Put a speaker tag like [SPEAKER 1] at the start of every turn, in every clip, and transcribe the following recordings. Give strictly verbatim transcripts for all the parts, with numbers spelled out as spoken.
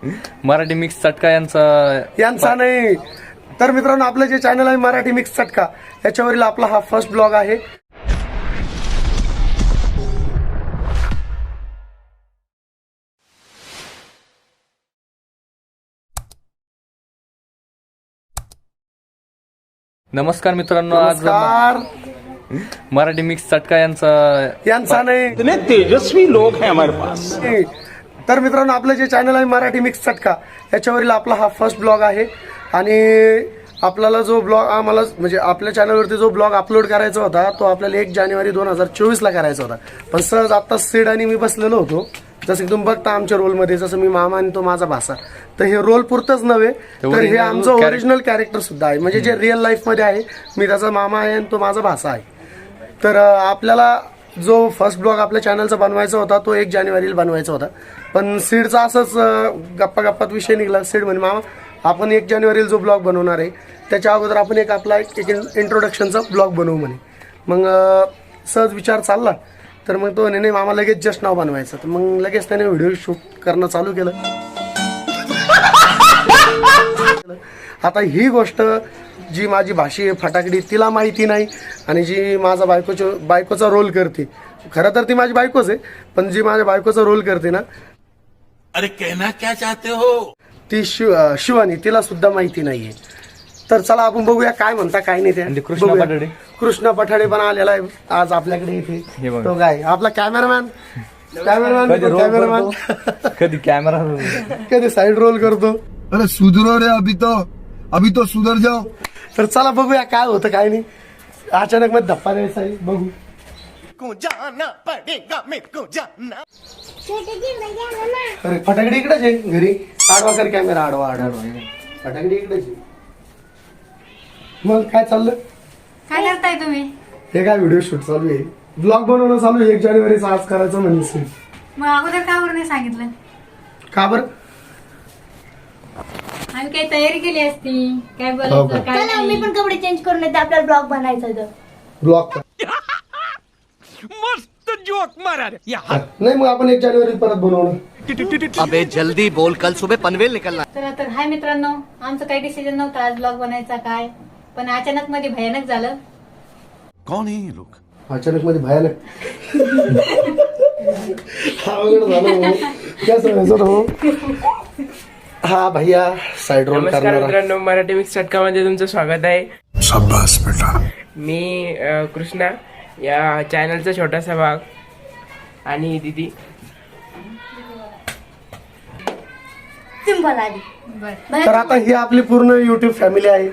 [SPEAKER 1] Marathi mix चटका यांचा
[SPEAKER 2] यांचा नाही तर मित्रांनो, आपलं जे चॅनल आहे मराठी मिक्स चटका, याच्यावरील आपला हा फर्स्ट ब्लॉग आहे.
[SPEAKER 1] नमस्कार मित्रांनो, आज
[SPEAKER 2] नमस्कार.
[SPEAKER 1] मराठी मिक्स चटका यांचा
[SPEAKER 2] यांचा नाही
[SPEAKER 3] इतने तेजस्वी लोग हैं हमारे पास.
[SPEAKER 2] तर मित्रांनो, आपलं जे चॅनल आहे मराठी मिक्स चटका, याच्यावरील आपला हा फर्स्ट ब्लॉग आहे. आणि आपल्याला जो ब्लॉग आम्हाला म्हणजे आपल्या चॅनलवरती जो ब्लॉग अपलोड करायचा होता तो आपल्याला एक जानेवारी दोन हजार चोवीसला करायचा होता. पण सहज आत्ता सीड आणि मी बसलेलो होतो, जसं की तुम्ही बघता आमच्या रोलमध्ये, जसं मी मामा आणि तो माझा भासा. तर हे रोल पुरतच नव्हे, तर हे आमचं ओरिजिनल कॅरेक्टर सुद्धा आहे, म्हणजे जे रिअल लाईफमध्ये आहे. मी त्याचा मामा आहे आणि तो माझा भासा आहे. तर आपल्याला जो फर्स्ट ब्लॉग आपल्या चॅनलचा बनवायचा होता तो एक जानेवारीला बनवायचा होता. पण सीडचा असंच गप्पा गप्पात विषय निघाला. सीड म्हणे मामा आपण एक जानेवारीला जो ब्लॉग बनवणार आहे त्याच्या अगोदर आपण एक आपला एक इंट्रोडक्शनचा ब्लॉग बनवू म्हणे. मग सहज विचार चालला, तर मग तो नाही मामा लगेच जस्ट नाव बनवायचं. तर मग लगेच त्याने व्हिडिओ शूट करणं चालू केलं. आता ही गोष्ट जी माझी भाषी आहे फटाकडी तिला माहिती नाही, आणि जी माझा बायकोच्या बायकोचा रोल करते, खरं तर ती माझी बायकोच आहे, पण जी माझ्या बायकोचा रोल करते ना,
[SPEAKER 3] अरे कहना क्या चाहते हो,
[SPEAKER 2] ती शिव शिवानी, तिला सुद्धा माहिती नाहीये. तर चला आपण बघूया काय म्हणता काय नाही ते.
[SPEAKER 1] कृष्णा पठाडे
[SPEAKER 2] कृष्णा पठाडे पण आलेला आहे आज आपल्याकडे इथे. तो काय आपला कॅमेरामॅन कॅमेरामॅन कॅमेरामॅन
[SPEAKER 1] कधी कॅमेरा
[SPEAKER 2] कधी साईड रोल करतो.
[SPEAKER 4] अरे सुधरो रे, अभी तो अभी तो सुधर जाओ.
[SPEAKER 2] तर चला बघूया काय होतं काय नाही. अचानक मध्ये धप्पा द्यायचा आहे, बघू. अरे फटाकडी इकडेच आहे घरी. आडवा कर कॅमेरा, आडवा आडवा फटाकडी इकडेच आहे. मग काय चाललं,
[SPEAKER 5] काय करताय तुम्ही?
[SPEAKER 2] हे काय व्हिडिओ शूट चालू आहे, ब्लॉग बनवणं चालू आहे. एक जानेवारीचा आज करायचं म्हणजे.
[SPEAKER 5] मग अगोदर का बरं नाही सांगितलं?
[SPEAKER 2] का बरं?
[SPEAKER 5] आम्ही काही तयारी केली असती, काय
[SPEAKER 2] हो
[SPEAKER 5] बोलायचं
[SPEAKER 2] का?
[SPEAKER 5] काय
[SPEAKER 6] चला मी
[SPEAKER 5] नाही.
[SPEAKER 6] पण कपडे चेंज करून येते, आपल्याला ब्लॉग बनायचा तर.
[SPEAKER 2] ब्लॉग
[SPEAKER 3] मस्त जोक मारा रे.
[SPEAKER 2] नाही, मग आपण एक जानेवारी परत बनवणं.
[SPEAKER 7] अबे जल्दी बोल, कल सुबह पनवेल निकलना.
[SPEAKER 5] तर तर हाय मित्रांनो, आमचं काही डिसिजन नव्हतं आज ब्लॉग बनायचा काय, पण अचानक मध्ये भयानक झालं.
[SPEAKER 4] कौन है ये लोग?
[SPEAKER 2] अचानक मध्ये भयानक हा अवघड झालं हो. काय सांगायचं हो. हा भैया साईड रोल
[SPEAKER 8] नमस्कार
[SPEAKER 2] करणारा.
[SPEAKER 8] मित्रांनो, मराठी मिक्स चटकामध्ये तुमचं स्वागत आहे.
[SPEAKER 4] शाबाश बेटा.
[SPEAKER 8] मी अ, कृष्णा, या चॅनलचा छोटासा भाग, आणि दिदी.
[SPEAKER 6] सिंपल आधी.
[SPEAKER 2] तर आता ही आपली पूर्ण युट्यूब फॅमिली आहे.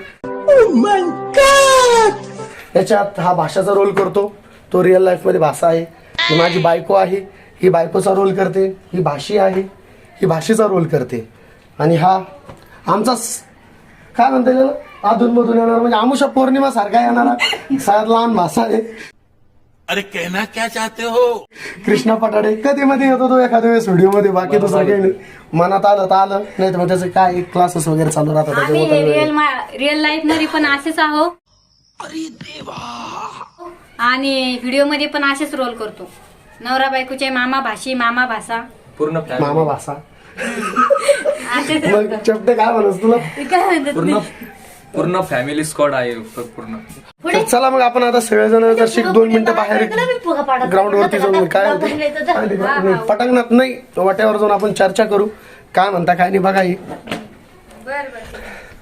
[SPEAKER 2] याच्यात हा भाषाचा रोल करतो, तो रिअल लाईफ मध्ये भाषा आहे. ही माझी बायको आहे, ही बायकोचा रोल करते. ही भाषी आहे, ही भाषेचा रोल करते. आणि हा आमचा स- काय म्हणता येईल अधून मधून येणार, म्हणजे आमुषा पौर्णिमा सारखा येणारा सगळ्यात लहान भाषा आहे.
[SPEAKER 3] अरे कहना क्या चाहते हो.
[SPEAKER 2] कृष्णा पठाडे कधी मध्ये येतो तो एखाद्या वेळेस व्हिडिओ मध्ये, बाकी दुसरं काही नाही. मनात आलं तर आलं, नाही तर मग त्याचे काय क्लासेस वगैरे चालू राहतात
[SPEAKER 5] आम्ही
[SPEAKER 2] त्याच्यामुळे.
[SPEAKER 5] रिअल रिअल लाईफ मध्ये पण असेच आहो, आणि व्हिडिओ मध्ये पण असेच रोल करतो. नवरा बायकोचे मामा भाषी, मामा भाषा,
[SPEAKER 1] पूर्ण
[SPEAKER 2] मामा भाषा.
[SPEAKER 5] असेच
[SPEAKER 2] मग चपटे काय म्हणस तुला.
[SPEAKER 5] काय म्हणतात
[SPEAKER 1] पूर्ण पूर्ण फॅमिली स्क्वॉड आहे पूर्ण.
[SPEAKER 2] तर चला मग आपण आता सगळेजण जर शिक दोन मिनिटं बाहेर ग्राउंड वरती जाऊन काय होते पटकनात नाही वाट्यावर जाऊन आपण चर्चा करू, काय म्हणता काय नाही बघा. ही
[SPEAKER 5] बर बर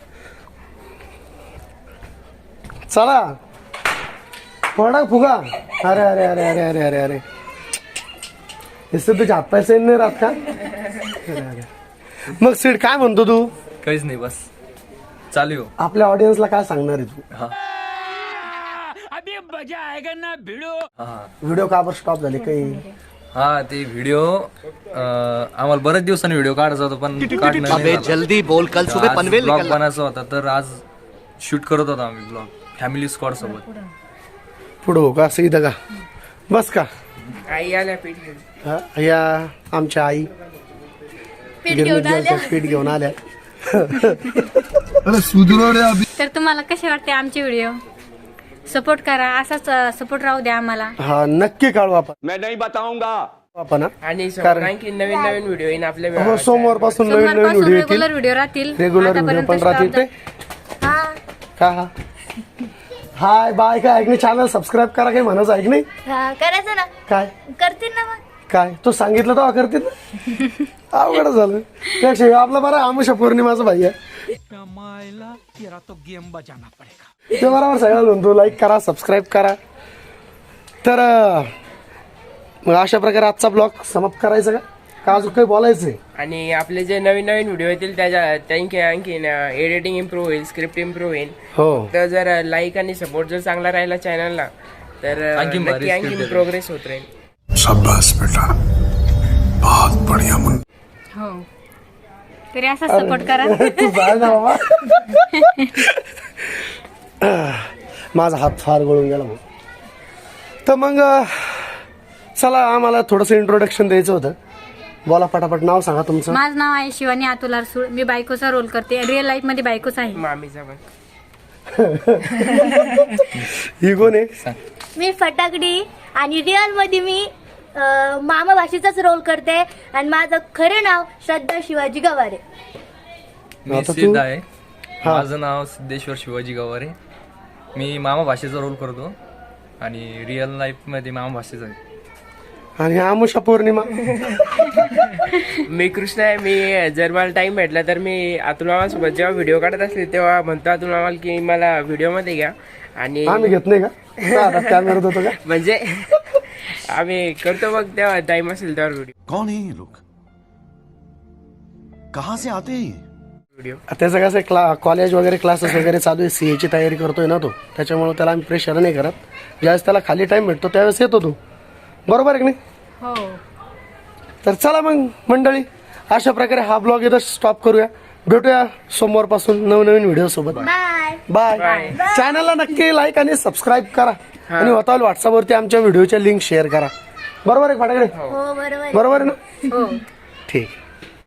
[SPEAKER 2] चला पडा फुगा. अरे अरे अरे अरे अरे अरे अरे हे तुझ्या हातपायचे नाही राहत का. अरे अरे मग सीड काय म्हणतो तू.
[SPEAKER 1] काहीच नाही, बस चालू हो.
[SPEAKER 2] आपल्या ऑडियन्सला काय सांगणार आहे तू.
[SPEAKER 1] हा
[SPEAKER 3] अभी मजा आएगा ना भिड़ो.
[SPEAKER 1] हा
[SPEAKER 2] व्हिडिओ का बरं स्टॉप झाले काही.
[SPEAKER 1] हा ते व्हिडिओ आम्हाला बरेच दिवसांनी व्हिडिओ काढायचा होता, पण काढणं नाही
[SPEAKER 7] अबे
[SPEAKER 1] झालं.
[SPEAKER 7] जल्दी बोल, कल
[SPEAKER 1] तर
[SPEAKER 7] सुबह
[SPEAKER 1] आज
[SPEAKER 7] पनवेल
[SPEAKER 1] ब्लॉग
[SPEAKER 7] निकलना.
[SPEAKER 1] बनायचा होता, तर आज शूट करत होता आम्ही ब्लॉग फॅमिली स्क्वॉड सोबत.
[SPEAKER 2] पुढं हो का असं इथं का बस का.
[SPEAKER 8] आई आल्या पीठ घेऊन.
[SPEAKER 2] हा, या आमच्या आई गिरमिट पीठ घेऊन आल्या.
[SPEAKER 4] अरे सुधरो रे, अभी
[SPEAKER 5] तर तुम्हाला कसे वाटते आमचे व्हिडिओ? सपोर्ट करा, असाच सपोर्ट राहू द्या आम्हाला.
[SPEAKER 2] हा नक्की काढू आपण.
[SPEAKER 3] मैं नहीं बताऊंगा.
[SPEAKER 2] आपण हा.
[SPEAKER 8] आणि समोर
[SPEAKER 2] कारण-
[SPEAKER 8] आणखी नवीन नवीन व्हिडिओ येईन आपल्या
[SPEAKER 2] हो सोमवारपासून नवीन नवीन
[SPEAKER 5] सोमवारपासून
[SPEAKER 2] व्हिडिओ येतील.
[SPEAKER 5] रेग्युलर व्हिडिओ राहतील.
[SPEAKER 2] रेग्युलर व्हिडिओ
[SPEAKER 5] आतापर्यंत
[SPEAKER 2] पण
[SPEAKER 5] stop
[SPEAKER 2] राहतील ते
[SPEAKER 6] हा
[SPEAKER 2] का हा हाय बाय काय ऐक नाही चॅनल सबस्क्राईब करा काही म्हणायचं ऐक नाही
[SPEAKER 6] हा, करायचं ना
[SPEAKER 2] काय
[SPEAKER 6] करतील ना मग.
[SPEAKER 2] काय तू सांगितलं तेव्हा करतील ना अवघड झालं त्यापेक्षा हे आपला बरं आमुषा पौर्णिमाचा भाई आहे ते बरोबर सगळ्या म्हणतो लाईक करा सबस्क्राईब करा तर अं, मग अशा प्रकारे आजचा ब्लॉग समाप्त करायचा का का अजून काही बोलायचंय
[SPEAKER 8] आणि आपले जे नवीन नवीन व्हिडिओ येतील त्याच्या त्यांची आणखी एडिटिंग इम्प्रूव्ह होईल, स्क्रिप्ट इम्प्रूव्ह होईल.
[SPEAKER 2] हो
[SPEAKER 8] तर जर लाईक आणि सपोर्ट जर चांगला राहिला चॅनलला तर
[SPEAKER 1] आणखी भारी
[SPEAKER 8] नक्की आणखी
[SPEAKER 1] script
[SPEAKER 8] प्रोग्रेस होत राहील.
[SPEAKER 4] शाबाश बेटा बहुत बढ़िया मुन
[SPEAKER 5] हो तरी असा सपोर्ट करा.
[SPEAKER 2] तू जा ना बाबा माझा हात फार गळून गेला मग तर मग अं, चला आम्हाला थोडंसं इंट्रोडक्शन द्यायचं होतं. बोला पटापट नाव सांगा तुमचं.
[SPEAKER 5] माझं नाव आहे शिवानी अतुल अरसूळ. मी बायकोचा रोल करते. रिअल लाईफ मध्ये बायकोच आहे.
[SPEAKER 8] मामीचा पण
[SPEAKER 2] ही कोण आहे
[SPEAKER 6] मी फटाकडी आणि रिअल मध्ये मी अं, मामा भाषेचाच रोल करते आणि माझं खरे नाव श्रद्धा शिवाजी गवारे.
[SPEAKER 1] मी
[SPEAKER 2] आता तू-
[SPEAKER 1] सिद्ध आहे.
[SPEAKER 2] हा.
[SPEAKER 1] माझं नाव सिद्धेश्वर शिवाजी गवारे. मी मामा भाषेचा रोल करतो आणि रिअल लाईफ मध्ये मामा भाषेचा आहे.
[SPEAKER 2] आणि आमुषा पौर्णिमा
[SPEAKER 8] मी कृष्ण आहे. मी जर मला टाइम भेटला तर मी अतुल मामासोबत जेव्हा व्हिडिओ काढत असले तेव्हा म्हणतो अतुल मामाला की मला व्हिडिओ मध्ये घ्या. आणि
[SPEAKER 2] आम्ही घेत नाही का का आता कॅमेरात होतो का
[SPEAKER 8] म्हणजे आम्ही करतो मग तेव्हा टाइम असेल तेव्हा व्हिडिओ
[SPEAKER 7] कौन है ये लोग? कहाँ से आते हैं ये?
[SPEAKER 8] व्हिडिओ
[SPEAKER 2] त्याचं कसं क्ला कॉलेज वगैरे क्लासेस वगैरे चालू आहे सी एची तयारी करतोय ना तो त्याच्यामुळे त्याला आम्ही प्रेशर नाही करत. ज्यावेळेस त्याला खाली टाइम भेटतो त्यावेळेस येतो तो बरोबर आहे की नाही.
[SPEAKER 5] हो
[SPEAKER 2] तर चला मग मंडळी अशा प्रकारे हा ब्लॉग इथं स्टॉप करूया. भेटूया सोमवारपासून नवनवीन व्हिडिओ सोबत.
[SPEAKER 6] बाय.
[SPEAKER 2] बाय. चॅनलला नक्की लाईक आणि सबस्क्राईब करा आणि होता व्हॉट्सअपवरती आमच्या व्हिडिओच्या लिंक शेअर करा. बरोबर आहे फाटाकडे
[SPEAKER 6] हो बरोबर आहे.
[SPEAKER 2] बरोबर आहे ना
[SPEAKER 5] हो
[SPEAKER 2] ठीक